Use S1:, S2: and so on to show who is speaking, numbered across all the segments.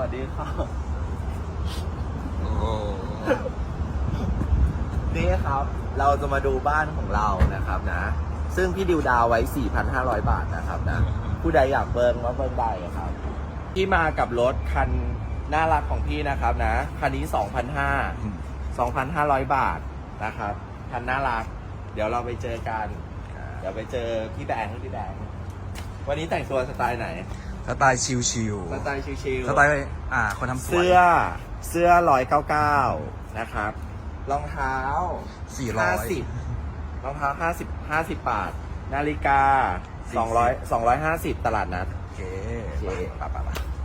S1: วัสดีครับนี่ครับเราจะมาดูบ้านของเรานะครับนะซึ่งพี่ดิวดาวไว้ 4,500 บาทนะครับนะผู้ใดอยากเบิ้งว่าเบิ้งได้ครับที่มากับรถคันน่ารักของพี่นะครับนะคันนี้ 2,500 บาทนะครับคันน่ารักเดี๋ยวเราไปเจอกันเดี๋ยวไปเจอพี่แบงค์วันนี้แต่งตัวสไตล์ไหน
S2: สไตล์ชิล
S1: สไตล์ชิล
S2: สไตล์คนทำสวย
S1: เสื้อ199นะครับรองเท้า50รองเท้า50 บาทนาฬิกา250ตลาดนัด
S2: โอเค
S1: ป่ะ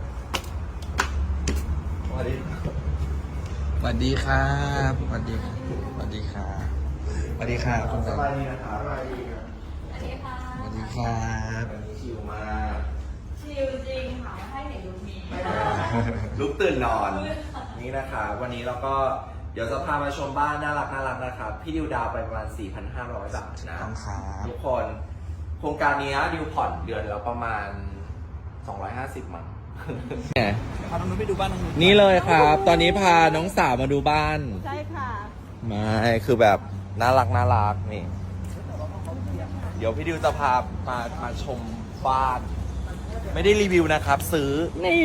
S1: สวัสดีครับ
S2: สวัสดีครับสวัสดีครับสวัสดีครับสวัสดีครับคุณ
S1: สบายดีนะครับสบายดีครับ
S3: สวัสดีค่ะ
S2: สวัสดีครับ
S1: วันนี้ชิลมาก
S3: ชิลจริงค่ะให้เห็นลุคนี้
S1: ลุกตื่นนอนนี่นะคะวันนี้เราก็เดี๋ยวจะพามาชมบ้านน่ารักนะครับพี่ดิวดาวไปประมาณ 4,500 บาทนะทุกคนโครงการนี้ดิวผ่อนเดือนแล้วประมาณ250มั้ง
S2: พาน้องนุ้ยไปดูบ้านน้องนุ้ย
S1: นี่เลยครับ ตอนนี้พาน้องสาวมาดูบ้าน
S3: ใช่ค่ะ
S1: ไม่คือแบบน่ารักนี่เดี๋ยวพี่ดิวจะพามาชมบ้าน ไม่ได้รีวิวนะครับซื้อ
S3: นี่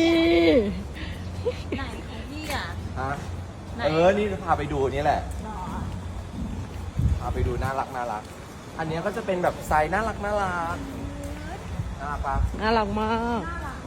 S3: ไหนของพี่อ่ะ
S1: ฮะนี่จะพาไปดูนี่แหละพาไปดูน่ารักอันนี้ก็จะเป็นแบบไซส์น่ารักปะ
S3: น่ารักมาก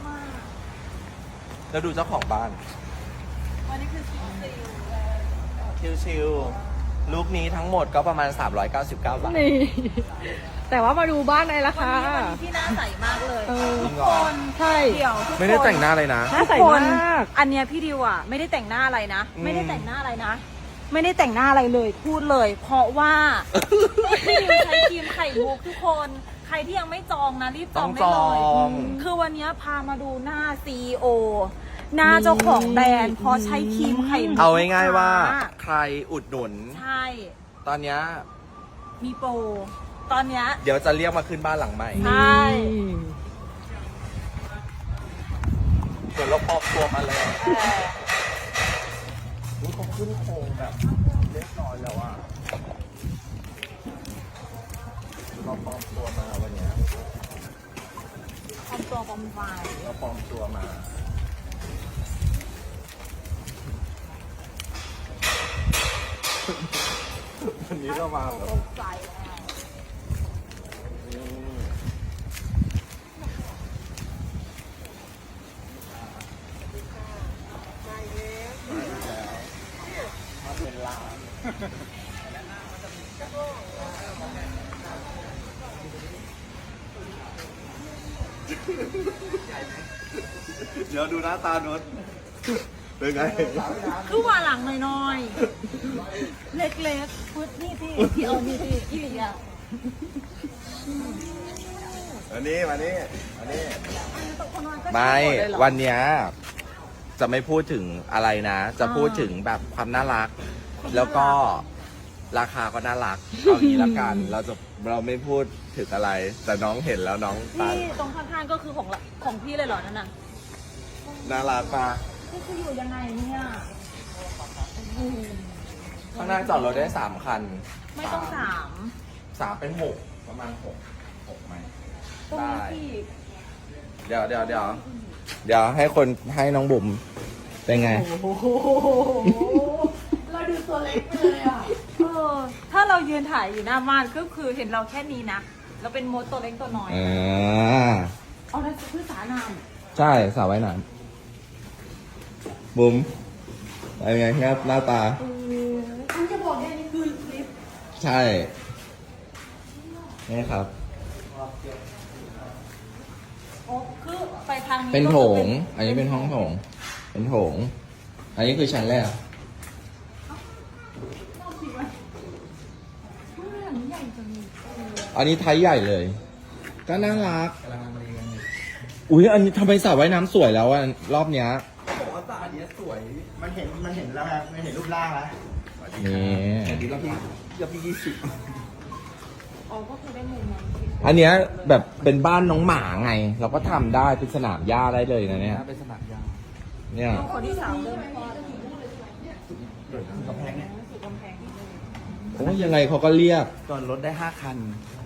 S1: แล้วดูเจ้าของบ้าน
S3: วันนี้คือ
S1: ชิลลูกนี้ทั้งหมดก็ประมาณ399 บาท
S3: นี่แต่ว่ามาดูบ้านในราคา
S4: ที่น่าใสมากเลย
S1: จริงเหรอ
S3: ใช่
S4: เดี๋ยว
S1: ไม่ได้แต่งหน้าเลยนะ
S3: น่าใสมาก
S4: อันเนี้ยพี่ดิวอ่ะไม่ได้แต่งหน้าอะไรนะไม่ได้แต่งหน้าอะไรนะไม่ได้แต่งหน้าอะไรเลยพูดเลย เพราะว่าพี่ดิวใช้ครีมไข่มุกทุกคนใครที่ยังไม่จองนะรีบจองได้เลยคือวันนี้พามาดูหน้า CEO หน้าเจ้าของแบรนด์เพราะใช้ครีมไข่มุก
S1: เอาง่ายๆว่าใครอุดหนุน
S4: ใช่
S1: ตอนนี้
S4: มีโปรตอนเนี้ย
S1: เดี๋ยวจะเรียกมาขึ้นบ้านหลังใหม่
S4: ใช่
S1: ส่วนเราปลอมตัวมาเลยนี่เขาขึ้นโครงแบบเรียบร้อยแล้วอ่ะเราปลอมตัวมาวันนี้
S4: ปลอมตัวปลอมไฟ
S1: เราปลอมตัวมาวันนี้ก็มาแบบ
S4: ใจ
S1: เดี๋ยวดูหน้าตาโน้ตเป็นไง
S4: คือว่าหลังน้อยๆเล็กๆพุทนี่ที่เอานี่ที่อีหลีอ่ะ
S1: วันนี้ไม่วันเนี้ยจะไม่พูดถึงอะไรนะจะพูดถึงแบบความน่ารักแล้วก็ราคาก็น่ารักเอางี้ละกันเราไม่พูดถึงอะไรแต่น้องเห็นแล้วน้อง
S4: นี่ตรงข้างๆก็คือของพี่เลยเหรอนั่นน่ะ
S1: น่ารักปะ
S4: นี่คืออยู่ยังไงเนี่ย
S1: ข้างหน้าจอดรถได้3 คัน
S4: ไม่ต้อง
S1: 3เป็น6ประมาณ6ไหม
S4: ได้
S1: เดี๋ยวให้น้องบุ๋มเป็นไง
S4: เราดูตัวเล็กเลยอ่ะถ้าเรายืนถ่ายอยู่หน้าบ้านก็คือเห็นเราแค่นี้นะเราเป็นมดตัวเล็กตัวน้อยเอานั่นคือสระน้
S1: ำใช่สระว่ายน้ำบุ๋มเป็นไงครับหน้าตา
S4: ฉันจะบอกเนี่ยนี่คือคลิป
S1: ใช่นี่ครับ
S4: คือไปทางนี้
S1: เป็นโถงอันนี้เป็นห้องโถงเป็นโถงอันนี้คือชั้นแรกอันนี้ไทยใหญ่เลยก็น่ารักอุ้ยอันนี้ทำไมสระว่ายน้ำสวยแล้วอ่ะรอบเนี้ยบอกว่าสระเนี้ยสวยมันเห็นแล้วครับมันเห็นรูปร่างแล้วนี่รอบที่
S4: อ๋อก็คือได้มุมนั้น
S1: อันเนี้ยแบบเป็นบ้านน้องหมาไงเราก็ทำได้เป็นสนามหญ้าได้เลยนะเนี่ย
S2: เป็นสนามหญ้า
S1: เนี่ย
S4: ลูกคนที่สามเริ่มคลอด
S2: กำแพงเนี่ย
S4: สู่กำแพงนิดนึง
S1: โอ้ยยังไงเขาก็เรียก
S2: จอดรถได้5 คัน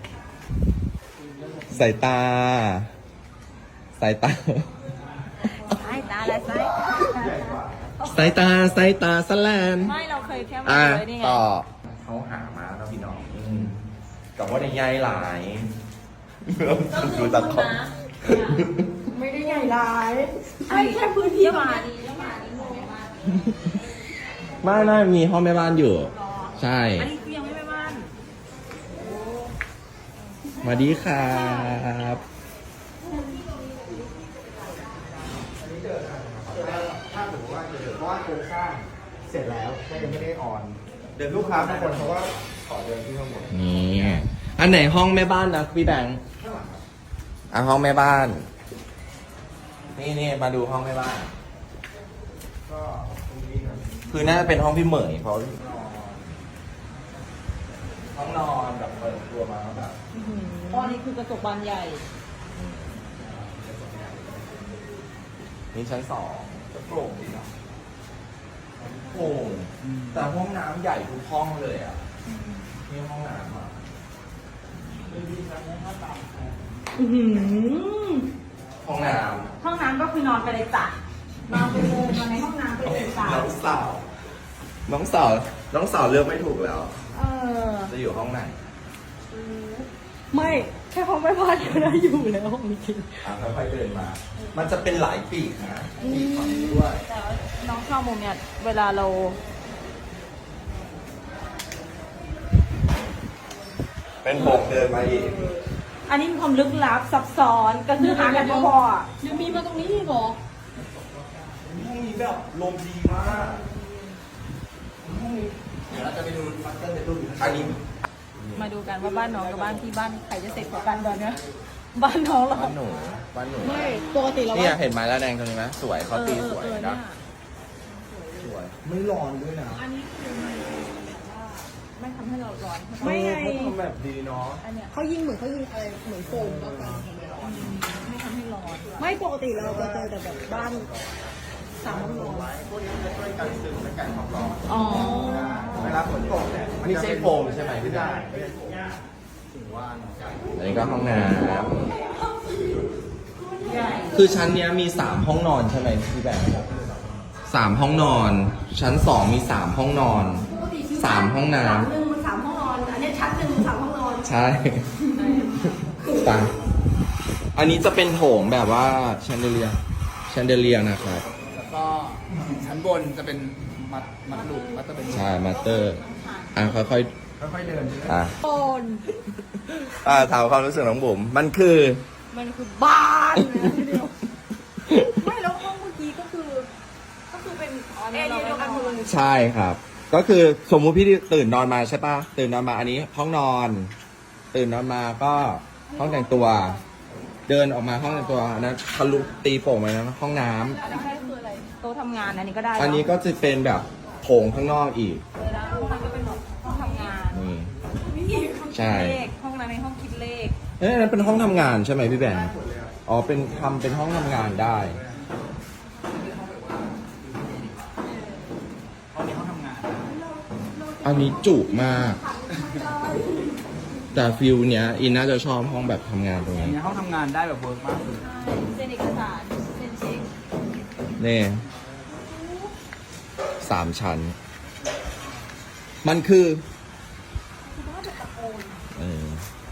S1: สายตา สายตา
S4: สายตาและสาย
S1: สายตา สายตาสแลน
S4: ไม่เราเคยแค่มา
S1: อ่ะ
S4: เลยนี่ไง
S1: ต่อเขาหามาแล้วพี่น้องกับว่าในใยหลาย ดูตะคอก
S3: ไม่ได้ใหญ่ร้าย
S4: ให้แค่พื้นที่มาดีมาดีโมมา
S1: ไม่มีห้องแม่บ้านอยู่ ใช่
S4: อันนี้คือยังไม่ไปบ้าน
S1: มาดีครับ
S2: ถ้าสมมติว่าเพราะว่าโครงสร้างเสร็จแล้วแค่ยังไม่ได้ออน เดินลูกค้าบางคนเขาก็ขอเดินที่ข้างบน
S1: นี่อันไหนห้องแม่บ้านนะพี่แบงค์อ่ะห้องแม่บ้าน นี่มาดูห้องแม่บ้าน
S2: ก็ตรงนี้นะ
S1: คือน่าจะเป็นห้องพี่เหมยเพราะห้องนอนแบบเปิดตัวมาแบบ
S4: อ๋อนี่คือกระจกบานใหญ่
S1: นี่ชั้น2จะโปร่งดีเนาะโปร่งแต่ห้องน้ำใหญ่ทุกห้องเลยอ่ะนี่ห้องน้ำอ่ะ ห้องน้
S4: ห้องน้ำก็คือนอนไปเลยจ้ะนอนไปเลยนอนในห้องน้ำไปเลยจ้ะ
S1: ำน้องสาวเลือกไม่ถูกแล้ว
S4: เออ
S1: จะอยู่ห้องไหน
S3: ไม่แค่เขาไม่พลาดก็ได้อยู่แล้วจริง
S1: ค่อยๆเดินมา มันจะเป็นหลายปีกนะปีกฝั่งนี้ด้วย
S4: แต่ว่าน้องชอบมุมเนี่ยเวลาเรา
S1: เป็นผมเดินมาอีก
S4: อันนี้มีความลึกลับซับซ้อนก็คือหากันพอๆอ่ะ
S3: ๆยังมีมาตรงนี้อีกเหรอ
S1: ห้องนี้แบบลมดีมากห้องนี้เดี๋ยวเราจะไปดูมัสเตอร์เบดรูมอันนี้
S4: มาดูกันว่าบ้านน้องกับบ้านที่บ้านใครจะเสร็จกว่ากันตอนเนี้ยบ้านน้องเรา
S1: บ้านหนู
S3: ไม่ปกติเรา
S1: เนี่ยเห็นไม้แล้วแดงตรงนี้ไหมสวยเขาตีสวย
S4: เนี่
S1: นะ
S4: ย
S1: สวย
S2: ไม่ร้อนด้วยนะ
S4: อันนี้คือไม่ทำให้เราร้อนใช่ไหม
S3: ไม่ไง
S1: เขาทำแบบดีเนาะ
S4: อันเนี้ย
S3: เขายิงเหมือนอะไรเหมือนโฟมก็กัน
S4: ไม่ทำให้ร้อน
S3: ไม่ปกติเราจะเจอแต่แบบบ้านสามห้องนอน
S2: พวกนี้จะช่วยกันซึมและกันความร้อน
S4: อ๋อ
S2: เวลาฝนตกเนี่ย
S1: ไม่ใช่โฟมใช่ไหมพี่
S2: ไม่
S1: ดา
S2: ได้ไม่ใช่โฟมถึงว่าเนาะ
S1: อันนี้ก็ห้องน้
S4: ใหญ่
S1: ำคือชั้นเนี้ยมี 3 ห้องนอนใช่ไหมพี่แบงค์3 ห้องนอน ชั้น 2 มี 3 ห้องนอน 3 ห้องน้
S3: หนึ่งมันสามห้องนอน อันนี้ชั้นหนึ่งมันสามห้องนอน
S1: ำใช่ตาอันนี้จะเป็นโถงแบบว่าแชนเดเลียนะครับ
S2: แล้วก็ชั้นบนจะเป็นมัดลูกมัดจะเป็น
S1: ใช่มาสเตอร์อ่ะค่อย
S2: ค่อยๆเดินใช่ไหม
S1: ๆอ่ะ
S3: โอน
S1: ถามความรู้สึกน้องบุ๋มมันคือ
S3: มันคือบ้านเลยทีเดียว
S4: ไม่แล้วห้องเมื่อกี้ก็คือ เป็นเอเดียเดียวกันหมดเลย
S1: ใช่ครับ ก็คือสมมุติพี่ตื่นนอนมาใช่ปะตื่นนอนมาอันนี้ห้องนอน ตื่นนอนมาก็ห้องแต่งตัว เดินออกมาห้องแต่งตัวอันนั้นทะลุตีโป่งไปนะห้องน้ำ
S4: อันนี้คืออะไรโต๊ะทำงานอันนี้ก็ได้
S1: อันนี้ก็จะเป็นแบบโถงข้างนอกอีก
S4: เลยนะห้องนั้นก็เป็นแบบห้องทำงาน
S1: นี่ ใช่
S4: เลขห้องนั้นเป็นห้องคิดเลข
S1: เอ้ยอันนั้นเป็นห้องทำงานใช่ไหมพี่แบงค์อ๋อเป็นทำเป็นห้องทำงานได้
S2: ห้องนี้ห้องทำงาน
S1: อันนี้จุมาก แต่ฟิลเนี้ยอินน่าจะชอบห้องแบบทำงานตรง
S2: อัน
S1: นี้
S2: นี้ห้องทำงานได้แบบเวิร์กมากเลย
S4: เซ็นเอกสารเซ็นเช็ค
S1: นี่3 ชั้น มันคือเออ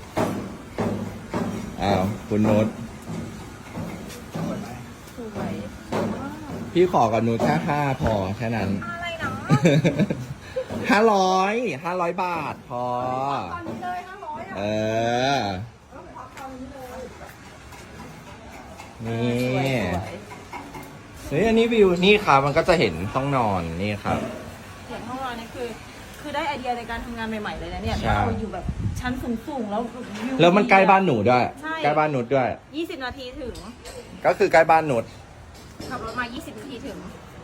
S1: อ้าวคุณโน้ต
S4: สวย
S1: พี่ขอกับโน้ตแค่5พอแค่นั้น
S4: อะไรนะ
S1: 500 บาทพอ
S3: ตอนนี้เลย500
S1: เออ นี่
S4: สวย
S1: เฮ้ยอันนี้วิวนี่ครับมันก็จะเห็นห้องนอนนี่ครับ
S4: เสียงห้องนอนนี่คือได้ไอเดียในการทำงานใหม่ๆเลยนะเนี่ย
S1: ใช่
S4: เราอยู่แบบชั้นสูงๆแล้ววิว
S1: แล้วมันใกล้บ้านหนูด้วย
S4: ใช่
S1: ใกล้บ้านหนูด้วย
S4: 20 นาทีถึง
S1: ก็คือใกล้บ้านหนู
S4: ขับรถมา 20 นาทีถึง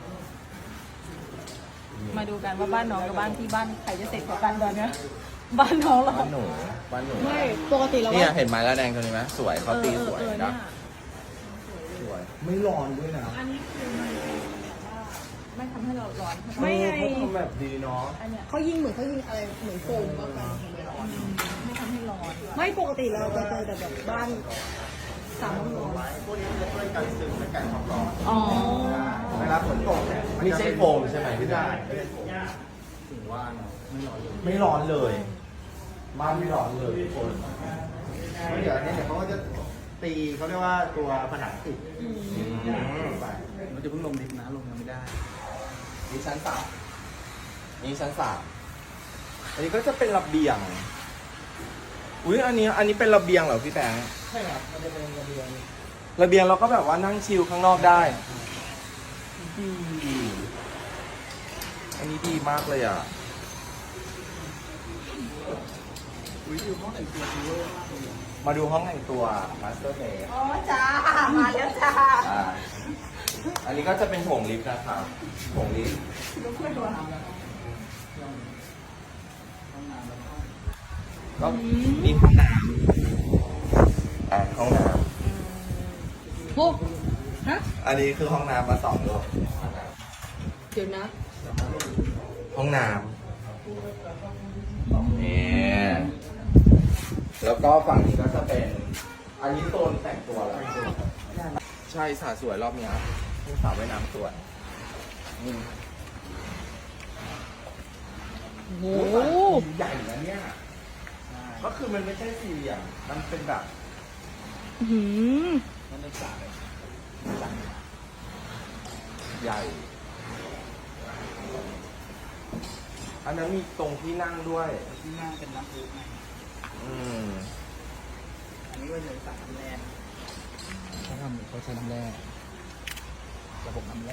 S4: มาดูกันว่าบ้านน้องกับบ้านที่บ้านใครจะเสร็จกว่ากันตอนเนี้ยบ้านน้องเรา
S1: บ้านหนูบ้านหนู
S3: ไม่ปกติเรา
S1: เนี่ยเห็นไม้แล้วแดงตรงนี้ไหมสวยเขาตีสวย
S4: เนี่
S1: นะ
S4: ย
S1: สวย
S2: ไม่ร้อนด้วยนะ
S4: อันนี้คือไม่ทำให้เราร้อน
S1: ไม่ไงเขาทำแบบดีเนาะ
S4: อันเนี้ย
S3: เขายิงเหมือนอะไรเหมือนโฟมมากกว่าไม่ร้อน
S4: ไม่ทำให้ร้อน
S3: ไม่ปกติเราจะเจอแต่แบบบ้านสามห้องนอน
S2: พวกนี้จะช่วยกันซึมและกันความร้อน
S4: อ๋อ
S2: เวลาฝนตกเนี่ย
S1: ไม่ใช่โฟมใช่ไหมพี่
S2: ไม่
S1: แบ
S2: ได้
S1: งค์
S2: ไม่ได้โฟมถึงว่าไม่ร้อนเลย
S1: ไม่ร้อนเลยบ้านไม่ร้อนเลยทุกคน
S2: เดี๋ยวอันนี้เดี๋ยวเขาก็จะตีเขาเรียกว่าตัวผนังติด
S5: เราจะเพิ่งลงลิฟต์นะลงยังไม่ได้
S1: นี่ชั้นสามนี่ชั้นสามอันนี้ก็จะเป็นระเบียงอุ้ยอันนี้เป็นระเบียงเหรอพี่แบงค์
S2: ใช่ครับมันจะเป็นระเบียง
S1: ระเบียงเราก็แบบว่านั่งชิลข้างนอกได้ดีอันนี้ดีมากเลยอ่ะ
S5: อุ้ยดูห้องแต่งตัวดูเวอร์มากเลย
S1: มาดูห้องแต่งตัวมาสเตอร์เบด
S4: อ๋อจ้า มาแล้วจ้า
S1: อันนี้ก็จะเป็นโถงลิฟต์นะครับโถงลิฟต์ก็มีห้องน้ำห้องน้
S3: โอ้ฮะ
S1: ำอันนี้คือห้องน้ำมา2 รอบ
S3: เดี๋ยวนะ
S1: ห้องน้ำนี่แล้วก็ฝั่งนี้ก็จะเป็น อันนี้โซนแต่งตัวแล้วใช่สระสวยรอบเนี้ยมีสระว่ายน้ำสวยนี่
S3: โอ้
S1: โอ้
S3: โห
S1: โหใหญ่นะเนี่ย ก็คือมันไม่ใช่สี่เหลี่ยมมันเป็นแบบ
S3: อื้อหือ
S5: นั่นเป็นสระเลย
S1: ใหญ่ อันนั้นมีตรงที่นั่งด้วย
S5: ที่นั่งเป็นน้ำพุไง
S1: อืม
S5: อันนี้ก็จะเป็นสระน้ำแร่เขาใช้น้ำแร่ระบบน้ำแร่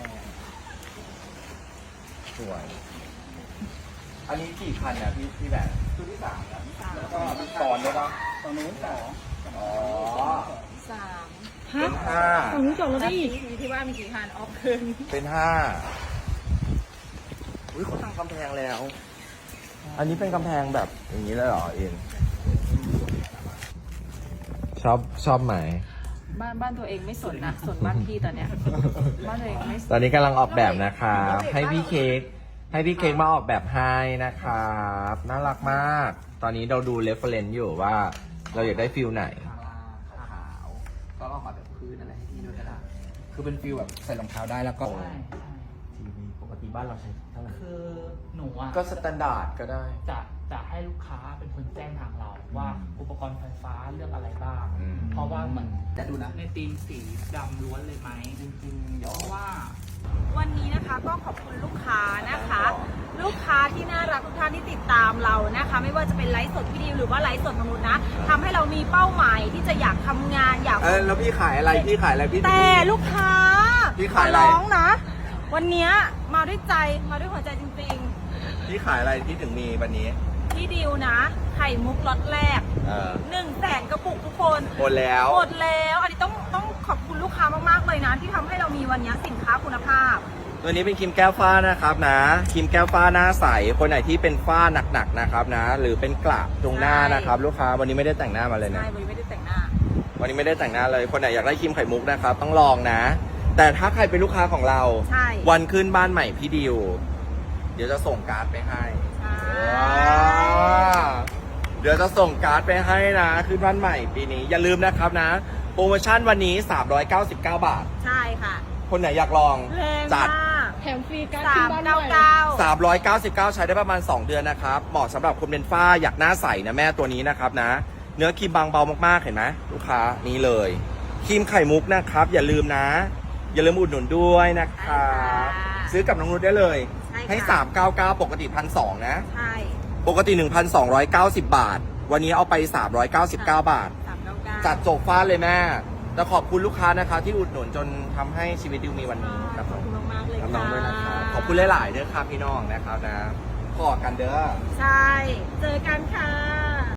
S1: สวย อันนี้กี่คันเนี่ยพี่แบบตัวที่3นะแล้วก็มีตอนด้วยปะ
S5: ตอนนู้นสอง
S1: อ๋อ
S4: สาม
S3: ฮะ
S1: เป็นห้า
S3: ฝั่งนี้จอดรถได้อีก
S4: มีที่ว่ามีกี่คันออฟคืน
S1: เป็น5อุ้ยเขาตั้งกำแพงแล้ว อันนี้เป็นกำแพงแบบอย่างนี้เลยเหรอเอ็นชอบไหม
S4: บ้านตัวเองไม่สนนะสนบ้านพี่ตอนเนี้ย บ้านตัวเองไม่สน
S1: ตอนนี้กำลังออกแบบนะครับให้พี่เค้กมาออกแบบให้นะครับน่ารักมาก ตอนนี้เราดูเรฟเฟรนซ์อยู่ว่าเราอยากได้ฟิลไหน
S5: ขาวก็ออกมาแบบพื้นอะไรให้พี่ด้วยก็ได้คือเป็นฟิลแบบใส่รองเท้าได้แล้วก็
S1: ทีวีปกติบ้านเราใช้เท่าไหร่
S6: คือหนูอ่ะ
S1: ก็สแตนดาร์ดก็ได้
S6: จะให้ลูกค้าเป็นคนแจ้งทางเราว่าอุปกรณ์ไฟฟ้าเลือกอะไรบ้าง
S1: อืม
S6: เพราะว่าเหมือน
S5: แต่ดูนะ
S6: ในธีมสีดำล้วนเลยไหม
S5: จริงๆเดี๋ยว
S6: เพราะว่า
S4: วันนี้นะคะก็ขอบคุณลูกค้านะคะ ลูกค้าที่น่ารักทุกท่านที่ติดตามเรานะคะ ไม่ว่าจะเป็นไลฟ์สดพี่ดิวหรือว่าไลฟ์สดมนุษย์นะทำให้เรามีเป้าหมายที่จะอยากทำงานอยาก
S1: แล้วพี่ขายอะไรพี่
S4: แต่ลูกค้า
S1: พี่ขายอะไร
S4: ร้องนะ วันเนี้ยมาด้วยใจมาด้วยหัวใจจริง
S1: พี่ขายอะไรที่ถึงมีวันนี้
S4: ๆพี่ดิวนะ ไข่มุกล็อตแรก 100,000 กระปุกทุกคน
S1: หมดแล้ว
S4: หมดแล้วอันนี้ต้องขอบคุณลูกค้ามากๆเลยนะ ที่ทำให้เรามีวันนี้สินค้าคุณภาพ
S1: ตัวนี้เป็นครีมแก้วฝ้านะครับนะครีมแก้วฝ้าหน้าใสคนไหนที่เป็นฝ้าหนักๆนะครับนะ หรือเป็นกระตรงหน้านะครับ ลูกค้าวันนี้ไม่ได้แต่งหน้ามาเลยนะ
S4: ใช่วันนี้ไม่ได้แต่งหน้า
S1: วันนี้ไม่ได้แต่งหน้าเลย คนไหนอยากได้ครีมไข่มุกนะครับ ต้องลองนะ แต่ถ้าใครเป็นลูกค้าของเรา
S4: ใช่
S1: วันขึ้นบ้านใหม่พี่ดิว เดี๋ยวจะส่งการ์ดไปให้
S4: ใช่
S1: เดี๋ยวจะส่งการ์ดไปให้นะขึ้นบ้านใหม่ปีนี้ อย่าลืมนะครับนะ โปรโมชั่นวันนี้ 399 บาท
S4: ใช่ค่ะ
S1: คนไหนอยากลอง
S4: แรง
S1: จัด
S4: มาก
S3: แถมฟรีการ์ดขึ้นบ้านใหม่
S4: 399
S1: 399 ใช้ได้ประมาณ 2 เดือนนะครับ เหมาะสำหรับคนเป็นฝ้าอยากหน้าใสนะแม่ตัวนี้นะครับนะ เนื้อครีมบางเบามากๆเห็นไหมลูกค้านี่เลยครีมไข่มุกนะครับ อย่าลืมนะ อย่าลืมอุดหนุนด้วยนะครับซื้อกับน้องนุชได้เลย
S4: ใช่ค่ะ
S1: ให้ 399 ปกติ 1,200 นะ
S4: ใช่
S1: ปกติ 1,290 บาท วันนี้เอาไป 399 บาท
S4: 399
S1: จัดจบฟ้าเลยแม่แต่ขอบคุณลูกค้านะคะที่อุดหนุนจนทำให้ชีวิตดิวมีวันนี้นะค
S4: ข
S1: รั
S4: อบบ คุณมากๆเลย
S1: กับ
S4: ค่ะ
S1: น้องด้วยนะครับขอบคุณหลายๆเด้อครับพี่น้องนะครับนะขอกันเด้อ
S4: ใช่ เจอกันค่ะ